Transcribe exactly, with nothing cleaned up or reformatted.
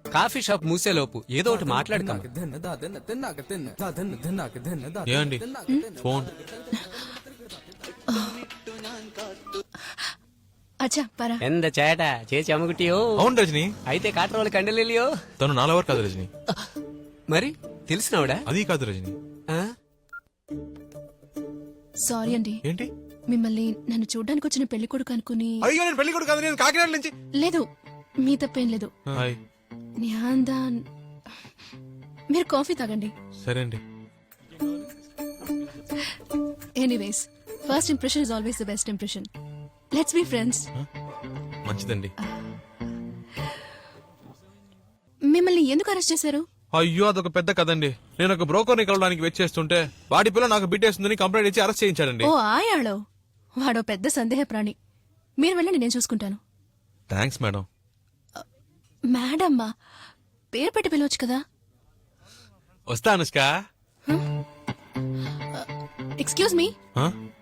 Coffee shop మూసేలోపు ఏదో ఒకటి మాట్లాడుతాం. ఏమండి ఫోన్ అచ్చా పరా ఎంత చేట చేసి అమ్ముకుటియో. అవును రజని, అయితే కాట్రోలు కండలియో. తను నా లవర్ కాదు రజని. మరి తెలిసినవిడా? అది కాదు రజని. సారీ అండి. ఏంటి? మిమ్మల్ని నన్ను చూడ్డానికి వచ్చిన పెళ్లి కొడుకు అనుకుని. అయ్యో నేను పెళ్లి కొడుకు కాదు, నేను కాకినాడ నుంచి. లేదు మీ తప్పేం లేదు. హాయ్. న్యాందాన్ మీరు కాఫీ తాగండి. సరే అండి. Anyways first impression is always the best impression. Let's be friends. మంచిదండి. మిమ్మల్ని ఎందుకు అరెస్ట్ చేశారు? అయ్యో అదొక పెద్ద కదండి. నేను ఒక బ్రోకర్ని కలవడానికి వెయిట్ చేస్తుంటే వాడి పిల్ల నాకు బిట్టేస్తుందని కంప్లైంట్ ఇచ్చి అరెస్ట్ చేయించాడండి. ఓ ఆయాళో, వాడో పెద్ద సందేహ ప్రాణి. మీరు వెళ్ళండి, నేను చూసుకుంటాను. Thanks madam. మేడమ్మా పేరు పెట్టి పిలవచ్చు కదా. వస్తా అనుష్క. Excuse me,